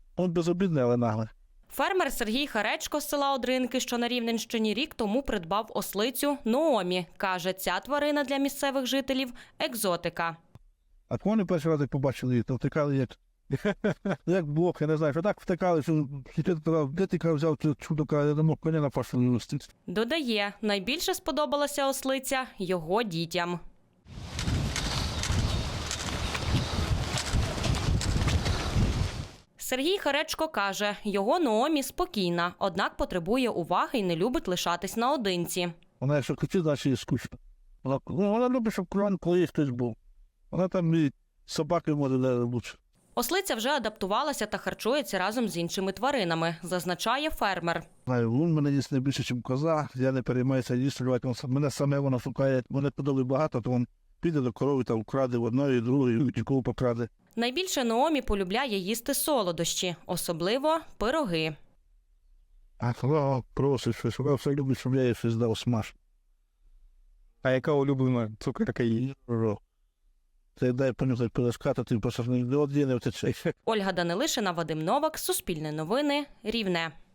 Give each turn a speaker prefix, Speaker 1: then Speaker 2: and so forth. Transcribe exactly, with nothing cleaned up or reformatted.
Speaker 1: Он безобідний, але наглий.
Speaker 2: Фермер Сергій Харечко з села Одринки, що на Рівненщині, рік тому придбав ослицю Ноомі. Каже, ця тварина для місцевих жителів – екзотика.
Speaker 1: А вони перший раз як побачили її, то втикали як, як блок, я не знаю, що так втикали, що де ти взяв цю чудо, я не мог коня на пашу не носити.
Speaker 2: Додає, найбільше сподобалася ослиця його дітям. Сергій Харечко каже, його Ноомі спокійна, однак потребує уваги і не любить лишатись наодинці.
Speaker 1: Вона якщо кричить, значить їй скучно. Вона, ну, вона любить, щоб кругом коли хтось був. Вона там і собаки може лучше.
Speaker 2: Ослиця вже адаптувалася та харчується разом з іншими тваринами, зазначає фермер.
Speaker 1: Знаю, лун мене їсть не більше, ніж коза, я не переймаюся їсти, мене саме вона шукає, мене подали багато, то він піде до корови та вкраде в одної, другої, і нікого покраде.
Speaker 2: Найбільше Ноомі полюбляє їсти солодощі, особливо пироги.
Speaker 1: А коли просить щось, вона все любить, щоб я їй щось дав смаж.
Speaker 3: А яка улюблена цукерка її?
Speaker 1: Це дай понюхати пирожка, то ти просто не один не втече.
Speaker 2: Ольга Данилишина, Вадим Новак, Суспільне новини, Рівне.